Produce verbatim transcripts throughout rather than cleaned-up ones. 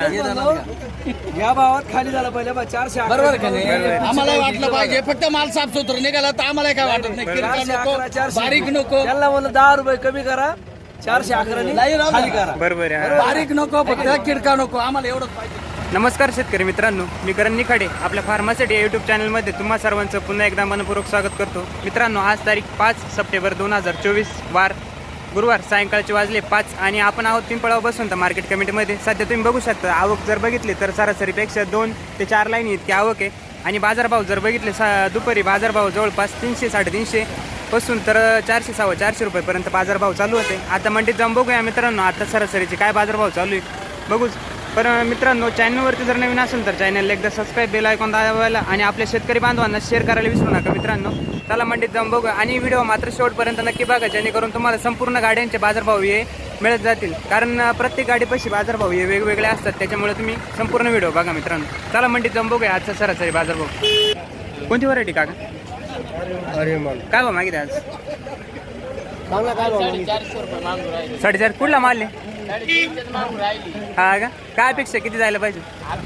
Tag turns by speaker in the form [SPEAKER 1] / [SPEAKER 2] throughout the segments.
[SPEAKER 1] या भावात खाली झाला पहिले चारशे
[SPEAKER 2] बरोबर का नाही? आम्हाला वाटलं पाहिजे फक्त माल साफ सुथरा निघाला तर आम्हाला काय वाटत नाही. किरकोळ नको, बारीक नको.
[SPEAKER 1] त्याला म्हणलं दहा रुपये कमी करा, चारशे अकरा खाली करा.
[SPEAKER 3] बरोबर आहे.
[SPEAKER 2] बारीक नको, फक्त किरका नको. आम्हाला एवढंच पाहिजे.
[SPEAKER 3] नमस्कार शेतकरी मित्रांनो, मी करण निखाडे आपल्या फार्मासिटी यूट्यूब चॅनलमध्ये तुम्हा सर्वांचं पुन्हा एकदा मनपूर्वक स्वागत करतो. मित्रांनो, आज तारीख पाच सप्टेंबर दोन हजार चोवीस वार गुरुवार सायंकाळचे वाजले पाच आणि आपण आहोत पिंपळाव बसून तर मार्केट कमिटीमध्ये. सध्या तुम्ही बघू शकता आवक जर बघितली तर सरासरीपेक्षा दोन ते चार लाईन इतकी आवक आहे आणि बाजारभाव जर बघितले सा दुपारी बाजारभाव जवळपास तीनशे साडेतीनशे पासून तर चारशे सव्वा चारशे रुपयेपर्यंत बाजारभाव चालू होते. आता मंडीत जाऊन बघूया मित्रांनो आता सरासरीचे काय बाजारभाव चालू आहे बघूच. पण मित्रांनो, चॅनलवरती जर नवीन असेल तर चॅनलला एकदा सबस्क्राईब बेल आयकॉन दाबायला आणि आपल्या शेतकरी बांधवांना शेअर करायला विसरू नका मित्रांनो. त्याला मंडीत जाऊन बघूया आणि व्हिडिओ मात्र शेवटपर्यंत नक्की बघा, जेणेकरून तुम्हाला संपूर्ण गाड्यांचे बाजारभाव हे मिळत जातील. कारण प्रत्येक गाडीपाशी बाजारभाव हे वेगवेगळे असतात, त्याच्यामुळे तुम्ही संपूर्ण व्हिडिओ बघा मित्रांनो. त्याला मंडीत जाऊन बघूया आजचा सरासरी बाजारभाव. कोणती व्हरायटी काका?
[SPEAKER 1] अरे मग
[SPEAKER 3] काय भाव मागितले आज? साडेचार. कुठला माल आहे? हा का? काय अपेक्षा किती जायला पाहिजे?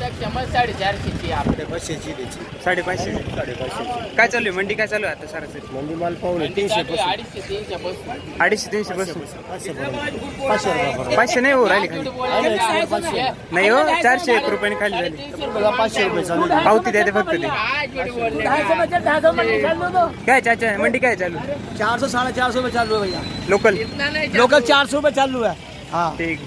[SPEAKER 3] साडेपाचशे. काय चालू आहे मंडी? काय चालू आहे आता सरासरी?
[SPEAKER 1] मंडी माल पाहून तीनशे
[SPEAKER 3] अडीचशे तीनशे बसून पाचशे नाही हो राहिले खाली. नाही हो, चारशे एक रुपयाने खाली झाली.
[SPEAKER 1] पाचशे रुपये चालू
[SPEAKER 3] पावती द्या ते फक्त ते. काय चाचा मंडी काय चालू?
[SPEAKER 1] चार सौ साढ़े चार सौ में चालू है भैया.
[SPEAKER 3] लोकल
[SPEAKER 1] लोकल चार सौ में चालू है. हाँ
[SPEAKER 3] ठीक.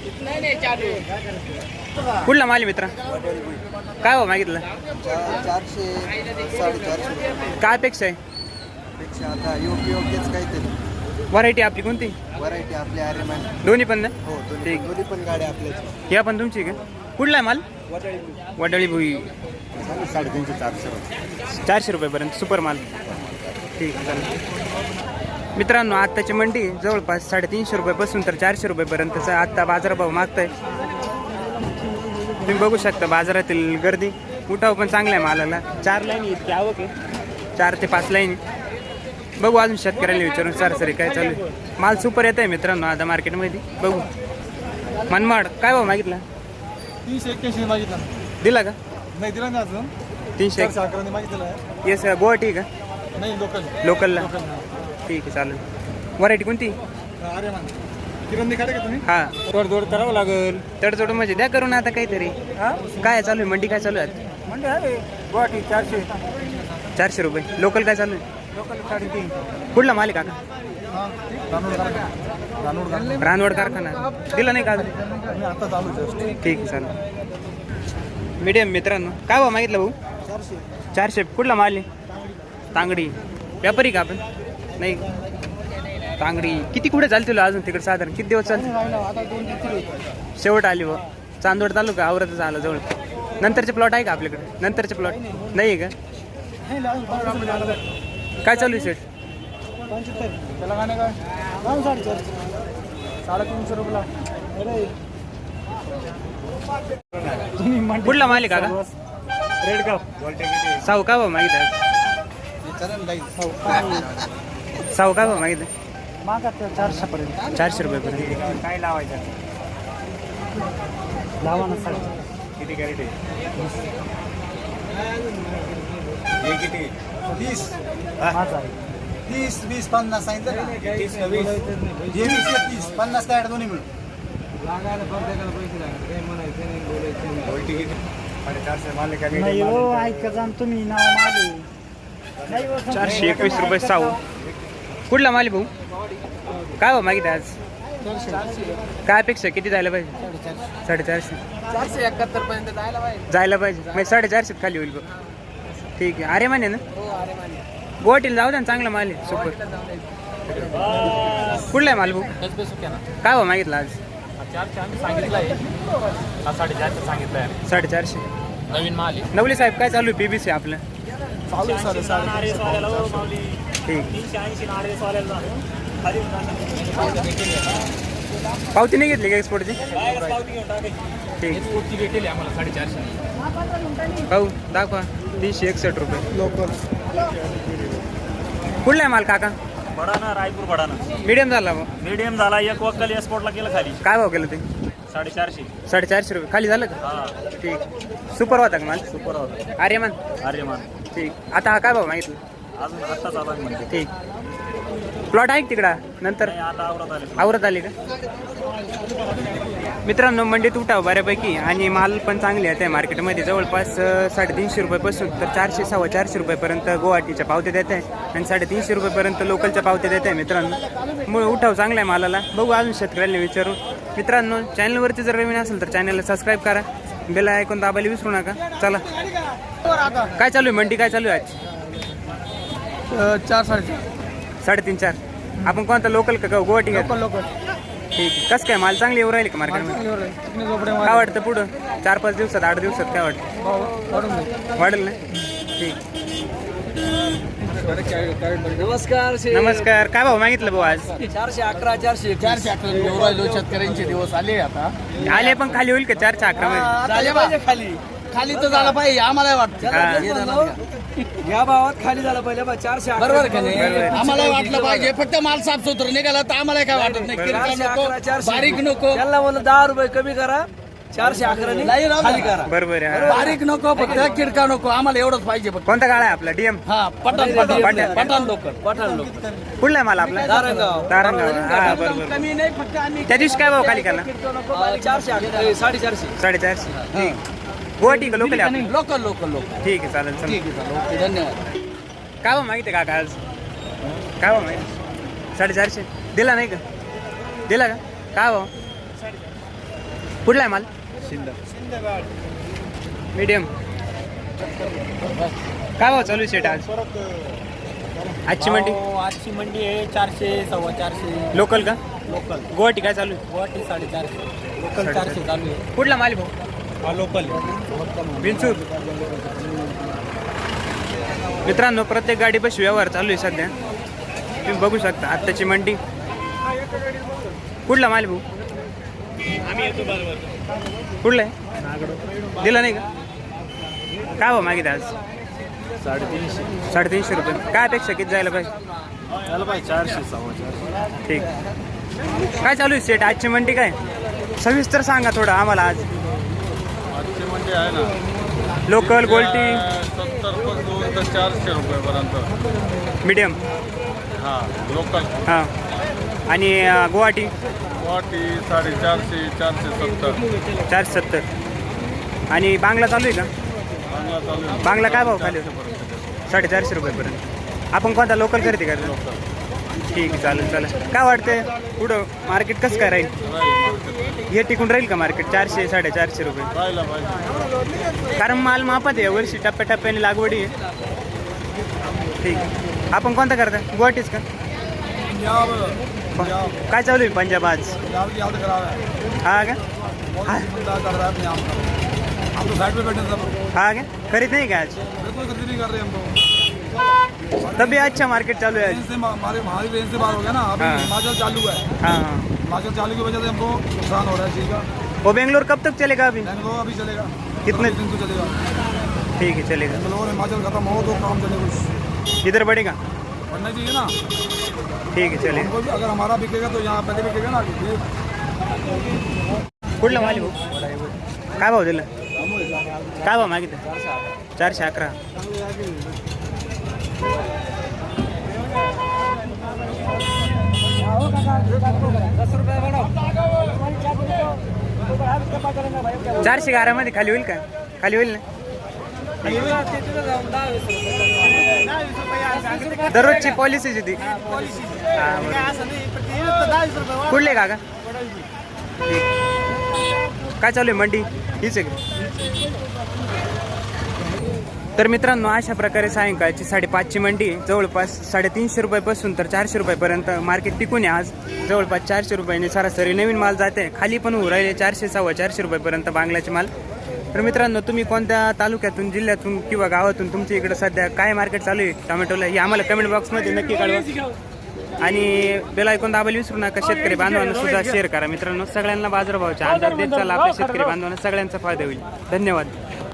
[SPEAKER 3] कुठला माल मित्रा? काय हो मागितलं?
[SPEAKER 4] चारशे साडेचारशे
[SPEAKER 3] काय अपेक्षा आहे?
[SPEAKER 4] पेक्षा आता योग्य योग्यच काहीतरी
[SPEAKER 3] व्हरायटी आपली कोणती?
[SPEAKER 4] व्हरायटी आपल्या आर्यमान.
[SPEAKER 3] दोन्ही पण ना?
[SPEAKER 4] हो दोन्ही
[SPEAKER 3] ठीक.
[SPEAKER 4] दोन्ही पण गाड्या आपल्याच.
[SPEAKER 3] या पण तुमची का? कुठला आहे माल? वडाळी भुई.
[SPEAKER 4] साडेतीनशे चारशे
[SPEAKER 3] चारशे रुपयेपर्यंत सुपर माल. ठीक आहे चालेल. मित्रांनो, आत्ताची मंडी जवळपास साडेतीनशे रुपयापासून तर चारशे रुपयेपर्यंतचा आत्ता बाजारभाव मागताय. तुम्ही बघू शकता बाजारातील गर्दी. उठाव पण चांगला आहे मालाला. चार लाईन इतकी आवक आहे, चार ते पाच लाईन. बघू अजून शेतकऱ्याला विचारून सरासरी काय चालू आहे. माल सुपर येत आहे मित्रांनो आता मार्केटमध्ये. बघू. मनमाड काय भाव मागितला?
[SPEAKER 1] तीनशे एक्क्याऐंशी मागितला.
[SPEAKER 3] दिला का?
[SPEAKER 1] नाही दिला ना अजून.
[SPEAKER 3] तीनशे
[SPEAKER 1] अकरा मागितलेला
[SPEAKER 3] येस. गुवाहाटी का?
[SPEAKER 1] नाही लोकल.
[SPEAKER 3] लोकलला. ठीक आहे चालेल. व्हरायटी कोणती?
[SPEAKER 1] आर्यमान. किरण निखाडे का तुम्ही?
[SPEAKER 3] हां.
[SPEAKER 1] तडजोड करावं लागेल.
[SPEAKER 3] तडजोड म्हणजे द्या करून आता काहीतरी. काय चालू आहे मंडी? काय चालू आहे?
[SPEAKER 1] म्हणजे आहे गुवाहाटी चारशे
[SPEAKER 3] चारशे रुपये. लोकल काय चालू आहे?
[SPEAKER 1] लोकल साडेतीन.
[SPEAKER 3] कुठला माल आहे काका? रानवड कारखाना. दिला नाही का अजून?
[SPEAKER 1] आता चालू जस्ट.
[SPEAKER 3] ठीक आहे चालेल. मीडियम मित्रांनो, काय भाव मागितलं भाऊ?
[SPEAKER 1] चारशे.
[SPEAKER 3] चारशे. कुठला माल आहे? तांगडी. व्यापारी का आपण? नाही. तांगडी किती कुठे चालते तुला अजून तिकडे साधारण किती दिवस चालते?
[SPEAKER 1] आता दोन ते तीन
[SPEAKER 3] शेवट आली व चांदवड तालुका आवरतच आला जवळ. नंतरचे प्लॉट आहे का आपल्याकडे? नंतरचे प्लॉट नाही आहे का? काय चालू आहे सेट?
[SPEAKER 1] पंच्याहत्तर. त्याला गाणे काय जाऊन साडेचारशे साडेतीनशे रुपयाला.
[SPEAKER 3] कुठला माल आहे काका?
[SPEAKER 1] Red cup.
[SPEAKER 3] साऊ का भाव मागितलं? साऊ का भाव मागितलं?
[SPEAKER 1] मागा चारशे पर्यंत.
[SPEAKER 3] चारशे रुपयेपर्यंत.
[SPEAKER 1] काय लावायचं? लावा ना साडे. किती कॅरेट आहे? हे किती? तीस. तीस वीस पन्नास सांगितलं ना. तीस वीस हे वीस हे तीस पन्नास काय दोन्ही मिळून लागायला प्रत्येकाला पैसे लागले. म्हणायचं नाही बोलायचं नाही. साडेचारशे माल नाही हो. ऐका जाण तुम्ही नाव मागे.
[SPEAKER 3] चारशे एकवीस रुपये साऊ. कुठला माल आहे भाऊ? काय भाव मागितलं आज? काय अपेक्षा किती जायला पाहिजे? साडेचारशे.
[SPEAKER 2] चारशे एकाहत्तर पर्यंत जायला पाहिजे.
[SPEAKER 3] जायला पाहिजे म्हणजे साडेचारशे खाली होईल बघ. ठीक आहे. अरे माने ना गुवाहाटीला जाऊ द्या ना, चांगला माल आहे सुपर. कुठला आहे माल भाऊ? काय भाव मागितला आज?
[SPEAKER 2] साडेचारशे सांगितलंय.
[SPEAKER 3] साडेचारशे.
[SPEAKER 2] नवीन माल आहे.
[SPEAKER 3] नवले साहेब काय चालू आहे पीबीसी आपलं?
[SPEAKER 1] चालू साडे
[SPEAKER 3] ठीक. पावती नाही घेतली का एक्सपोर्टची? ठीक.
[SPEAKER 2] एक्सपोर्टची भेटेल आम्हाला साडेचारशे.
[SPEAKER 3] भाऊ दाखवा. तीनशे एकसष्ट रुपये
[SPEAKER 1] लोकल.
[SPEAKER 3] कुठला आहे माल काका?
[SPEAKER 5] बडाना रायपूर बडाना
[SPEAKER 3] मीडियम झाला भाऊ.
[SPEAKER 5] मीडियम झाला. एक वक्कल एक्सपोर्टला केलं खाली.
[SPEAKER 3] काय भाव केलं ते?
[SPEAKER 1] साडेचारशे
[SPEAKER 3] साडेचारशे रुपये खाली झालं का
[SPEAKER 1] हा
[SPEAKER 3] ठीक सुपर होता का माल
[SPEAKER 1] सुपर होता
[SPEAKER 3] आर्यमान
[SPEAKER 1] अरे मान
[SPEAKER 3] ठीक आता हा काय भाव मागितलं
[SPEAKER 1] अजून आत्ताच आला म्हणते
[SPEAKER 3] ठीक प्लॉट आहे का तिकडं नंतर
[SPEAKER 1] नाही, आता आवरत आले
[SPEAKER 3] आवरत आले का मित्रांनो मंडीत उठाव बऱ्यापैकी आणि माल पण चांगले आहे त्या मार्केटमध्ये जवळपास अं, साडेतीनशे रुपयापासून तर चारशे सव्वा चारशे रुपयापर्यंत गुवाहाटीच्या पावत्या देत आहे आणि साडेतीनशे रुपयापर्यंत लोकलच्या पावत्या देत आहे मित्रांनो मग उठाव चांगला आहे मालाला बघू अजून शेतकऱ्यांना विचारू मित्रांनो चॅनलवरती जर नवीन असेल तर चॅनलला सबस्क्राईब करा बेल ऐकून दाबायला विसरू नका चला काय चालू आहे मंडी काय चालू आहे आज
[SPEAKER 2] चार साडेचार
[SPEAKER 3] साडेतीन चार आपण कोणता लोकल का गुवाहाटी का
[SPEAKER 2] लोकल
[SPEAKER 3] ठीक कसं काय माल चांगली येऊ राहील का मार्केटमध्ये काय वाटतं पुढं चार पाच दिवसात आठ दिवसात काय वाटतं वाढेल ना ठीक
[SPEAKER 2] नमस्कार
[SPEAKER 3] नमस्कार काय भाव मागितलं भाऊ आज
[SPEAKER 2] चारशे अकरा चारशे चारशे अकरा घेऊन राहिलो शेतकऱ्यांचे दिवस आले आता
[SPEAKER 3] आले पण खाली होईल का चारशे अकरा मध्ये
[SPEAKER 2] झाले पाहिजे खाली खाली तर झाला पाहिजे आम्हाला वाटतं
[SPEAKER 4] या भावात खाली झालं पहिले बा चारशे अकरा.
[SPEAKER 2] बरोबर का नाही
[SPEAKER 3] बरोबर.
[SPEAKER 2] आम्हाला वाटलं पाहिजे फक्त माल साफ सुथरं निघाला तर आम्हाला काय वाटत नाही किरकोळ
[SPEAKER 4] चारशे
[SPEAKER 2] नको
[SPEAKER 4] अकरा, चारशे.
[SPEAKER 2] बारीक नको
[SPEAKER 4] त्यांना म्हणलं दहा रुपये कमी करा चारशे अकरा
[SPEAKER 2] नाही राहू
[SPEAKER 4] खाली
[SPEAKER 2] द्या.
[SPEAKER 4] करा
[SPEAKER 3] बरोबर आहे
[SPEAKER 2] बारीक नको फक्त किरका नको आम्हाला एवढंच पाहिजे फक्त
[SPEAKER 3] कोणता गाळा आहे आपला डीएम
[SPEAKER 2] हा पठाण पठाण
[SPEAKER 3] पठाण.
[SPEAKER 2] पठाण लोक
[SPEAKER 4] पठाण लोक
[SPEAKER 3] कुठला आहे माल आपला
[SPEAKER 4] दारंगाव.
[SPEAKER 3] दारंगाव हा बरोबर
[SPEAKER 2] कमी नाही फक्त आम्ही
[SPEAKER 3] त्या दिवशी काय भाव खाली केला
[SPEAKER 4] अं, चारशे अकरा साडेचारशे
[SPEAKER 3] साडेचारशे ठीक गुवाहाटी का लोकल आहे आपली?
[SPEAKER 2] लोकल लोकल लोक
[SPEAKER 3] ठीक आहे चालेल चालेल
[SPEAKER 2] ठीक आहे चालेल ओके धन्यवाद
[SPEAKER 3] काय भाव माहिती आहे काका आज काय भाव माहिती साडेचारशे दिला नाही का दिला का काय भाव कुठला आहे माल मीडियम काय भाव चालू शेट आज आजची मंडी
[SPEAKER 1] आजची मंडी आहे चारशे सव्वा चारशे
[SPEAKER 3] लोकल का
[SPEAKER 1] लोकल
[SPEAKER 3] गुवाहाटी काय चालू आहे
[SPEAKER 1] गुवाहाटी साडेचारशे लोकल चारशे चालू आहे
[SPEAKER 3] कुठला माल भाऊ
[SPEAKER 1] हा लोकल
[SPEAKER 3] बिनसूर मित्रांनो प्रत्येक गाडीपाशी व्यवहार चालू आहे सध्या तुम्ही बघू शकता आत्ताची मंडी कुठला माल भाऊ
[SPEAKER 1] आम्ही येतो बरोबर
[SPEAKER 3] कुठला आहे दिला नाही का काय भाव मागित आज
[SPEAKER 1] साडेतीनशे
[SPEAKER 3] साडेतीनशे रुपये काय अपेक्षा किती जायला पाहिजे
[SPEAKER 1] झालं पाहिजे चारशे सव्वा चारशे
[SPEAKER 3] ठीक काय चालू आहे सेट आजची मंडी काय सविस्तर सांगा थोडं आम्हाला आज
[SPEAKER 1] आजची मंडी आहे ना
[SPEAKER 3] लोकल गोल्टी
[SPEAKER 1] सत्तर पासून तर चारशे रुपयेपर्यंत
[SPEAKER 3] मीडियम
[SPEAKER 1] हां लोकल
[SPEAKER 3] हां आणि अं, गुवाहाटी
[SPEAKER 1] गुवाहाटी साडेचारशे चारशे सत्तर
[SPEAKER 3] चारशे सत्तर आणि बांगला चालू आहे का
[SPEAKER 1] चांगला चालू आहे
[SPEAKER 3] बांगला काय भाव खाली होतो साडेचारशे रुपयेपर्यंत आपण कोणता लोकल खरेदी करतो ठीक आहे चालेल चालेल काय वाटतंय पुढं मार्केट कसं काय राहील हे टिकून राहील का मार्केट चारशे साडेचारशे रुपये
[SPEAKER 1] राहायला पाहिजे
[SPEAKER 3] कारण माल मापात आहे वर्षी टप्प्याटप्प्याने लागवडी आहे ठीक आहे आपण कोणता करता गुवाहाटीच का काय चालू आहे पंजाब आज हा का हा
[SPEAKER 1] हम तो साइड पे बैठे सब
[SPEAKER 3] हा का खरीद नहीं का आज
[SPEAKER 1] कोई खरीदी नहीं कर रहे हम तो
[SPEAKER 3] तभी अच्छा मार्केट चालू है आज
[SPEAKER 1] रेंज से हमारे हमारी रेंज से बाहर हो गया ना अभी
[SPEAKER 3] हाँ।
[SPEAKER 1] हिमाचल चालू है
[SPEAKER 3] हाँ हाँ
[SPEAKER 1] हिमाचल चालू की वजह से हमको नुकसान हो रहा है चीज का
[SPEAKER 3] वो बेंगलोर कब तक चलेगा अभी
[SPEAKER 1] बेंगलोर अभी चलेगा
[SPEAKER 3] कितने-
[SPEAKER 1] दिन तो चलेगा
[SPEAKER 3] ठीक है चलेगा
[SPEAKER 1] बेंगलोर हिमाचल खत्म हो तो काम चले कुछ
[SPEAKER 3] इधर बढ़ेगा
[SPEAKER 1] बढ़ना चाहिए ना
[SPEAKER 3] ठीक है चलेगा
[SPEAKER 1] हमको भी अगर हमारा बिकेगा तो यहाँ पहले बिकेगा ना ये
[SPEAKER 3] कुठला माल भाऊ काय भाव दिला काय भाव मागितलं चारशे अकरा चारशे गारामध्ये खाली होईल का खाली होईल ना दररोजची पॉलिसीची ती हा, बरोबर. कुठले काका ठीक. काय चालू आहे मंडी हीच आहे का? तर मित्रांनो अशा प्रकारे सायंकाळची साडेपाचची मंडी आहे. जवळपास साडेतीनशे रुपयापासून तर चारशे रुपयापर्यंत मार्केट टिकून आहे. आज जवळपास चारशे रुपयाने सरासरी नवीन माल जाते खाली पण होऊ राहिले चारशे सव्वा चारशे रुपयापर्यंत बांगलाचे माल. तर मित्रांनो तुम्ही कोणत्या तालुक्यातून जिल्ह्यातून किंवा गावातून तुमच्या इकडे सध्या काय मार्केट चालू आहे टोमॅटोला हे आम्हाला कमेंट बॉक्समध्ये नक्की कळवा आणि बेल ऐकून दाबायला विसरू नका. शेतकरी बांधवांना सुद्धा शेअर करा मित्रांनो. सगळ्यांना बाजारभावाचा अंदाज देत चालला आपल्या शेतकरी बांधवांना सगळ्यांचा फायदा होईल. धन्यवाद.